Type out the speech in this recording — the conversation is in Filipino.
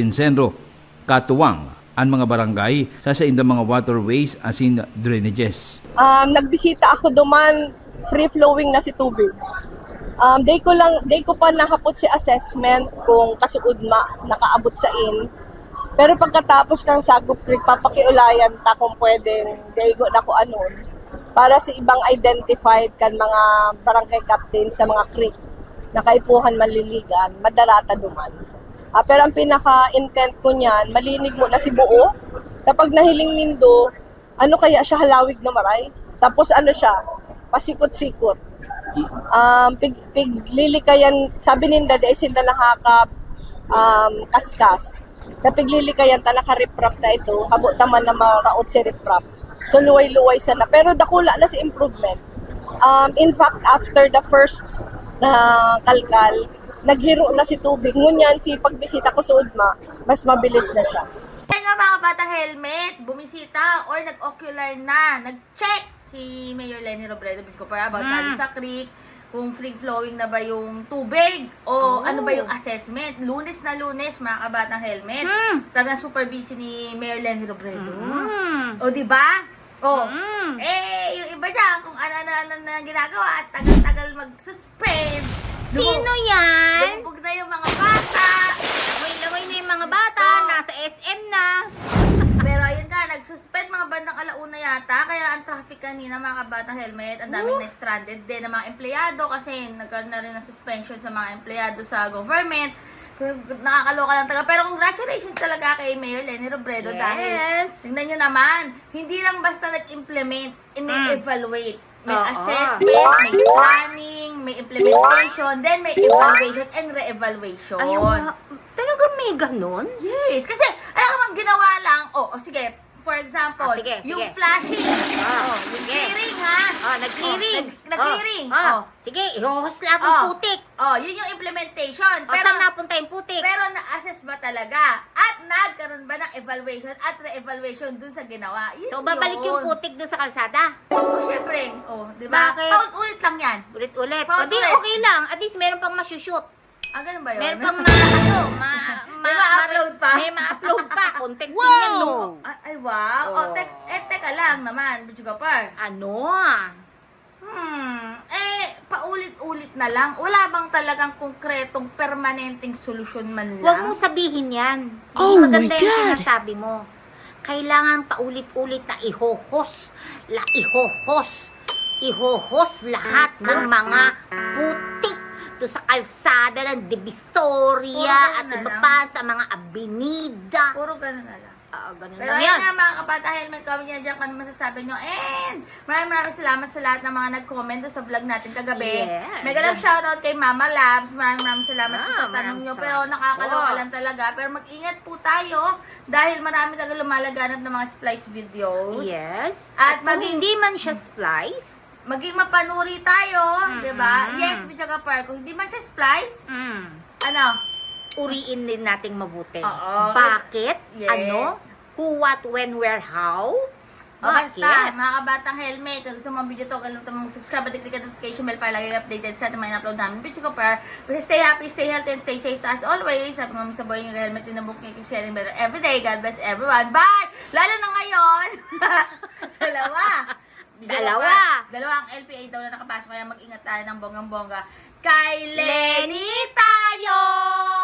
Senro, katuwang ang mga barangay sa indang mga waterways asin drainages. Nagbisita ako duman, free-flowing na si tubig. Day ko pa nahapot si assessment kung kasuod nakaabot sa in. Pero pagkatapos ng Sagop Creek, papakiulayan ta kung pwedeng daygo na ko anon para sa ibang identified kan mga barangay captain sa mga creek na kaipuhan maliligan, madarata duman. Pero ang pinaka-intent ko niyan, malinig mo na si buo. Kapag nahiling nindo, ano kaya siya halawig na maray? Tapos ano siya, pasikot-sikot. Piglilikayan, sabi ninda, dahil sinda nakakap kaskas. Na piglilikayan ta nakariprap na ito, habo taman na maraot si riprap. So luway-luway sana. Pero dakula na si improvement. In fact, after the first na kalkal, naghiro na si tubig. Ngunyan, si pagbisita ko sa Udma, mas mabilis na siya. Kaya nga mga batang helmet, bumisita or nag-ocular na, nag-check si Mayor Leni Robredo about sa creek, kung free-flowing na ba yung tubig o ano ba yung assessment. Lunes na lunes, mga kabatang helmet. Talagang super busy ni Mayor Leni Robredo. O, diba? Yung iba dyan, kung ano-ano na ginagawa at tagal-tagal mag-suspend. Sino yan? Lumubog na yung mga bata. Laway na yung mga bata, nasa SM na. Pero ayun nga, nag-suspend mga bandang alauna yata. Kaya ang traffic kanina mga kabatang helmet, ang daming na-stranded din ng mga empleyado kasi nagkaroon na rin ng suspension sa mga empleyado sa government. Pero nakakaloka lang talaga. Pero congratulations talaga kay Mayor Leni Robredo dahil tingnan nyo naman, hindi lang basta nag-implement, in-evaluate. May assessment, may planning, may implementation, then may evaluation and re-evaluation. Talaga may ganon? Yes, kasi alam mo, ginawa lang, sige, for example, yung flashing, yung clearing ha. Nag-clearing. Nag-clearing. Sige, ihuhos lang ang putik. Yun yung implementation. Pero saan napunta yung putik? Pero na-assess ba talaga? At nagkaroon ba ng evaluation at re-evaluation dun sa ginawa? So, babalik yung putik doon sa kalsada? Syempre. Di ba? Bakit? Paulit-ulit lang yan. Ulit-ulit. Paulit-ulit. Okay lang. At least meron pang masushoot. Ganun ba yun? Meron pang may ma-upload pa. May ma-upload pa. Content din yan, no? Ay, wow. Teka lang naman, Bichugapar. Ano? Paulit-ulit na lang. Wala bang talagang konkretong permanenteng solusyon man lang? Huwag mong sabihin yan. Hindi maganda yung sinasabi mo. Kailangan paulit-ulit na ihohos lahat ng mga putik doon sa kalsada ng Divisoria at iba pa sa mga abenida. Puro ganun na lang. Ganun Pero lang ayun yan. nga mga kabata helmet, comment nyo dyan kung ano masasabi nyo. And maraming salamat sa lahat ng mga nag-comment sa vlog natin kagabi. Yes. Mega love shoutout kay Mama Labs. Maraming salamat po sa tanong nyo. Pero nakakaloka lang talaga. Pero mag-ingat po tayo dahil marami talaga lumalaganap ng mga splice videos. Yes. At kung hindi man siya splice, maging mapanuri tayo, di ba? Yes, Bichugapar. Kung hindi man siya splice, uriin din nating mabuti. Oo. Bakit? Yes. Ano? Who, what, when, where, how? Basta, mga kabatang helmet, kung gusto mo ang video to, kalimutan mo mag-subscribe at i-click ang notification bell para lagi updated sa ating mga in-upload namin. Bichugapar. Stay happy, stay healthy, and stay safe as always. Sabi nga sa boy, yung helmet din na book, keep sharing better every day. God bless everyone. Bye! Lalo na ngayon! Dalawa ang LPA daw na nakapasok, kaya mag-ingat tayo ng bonggang-bongga. Kay Leni tayo!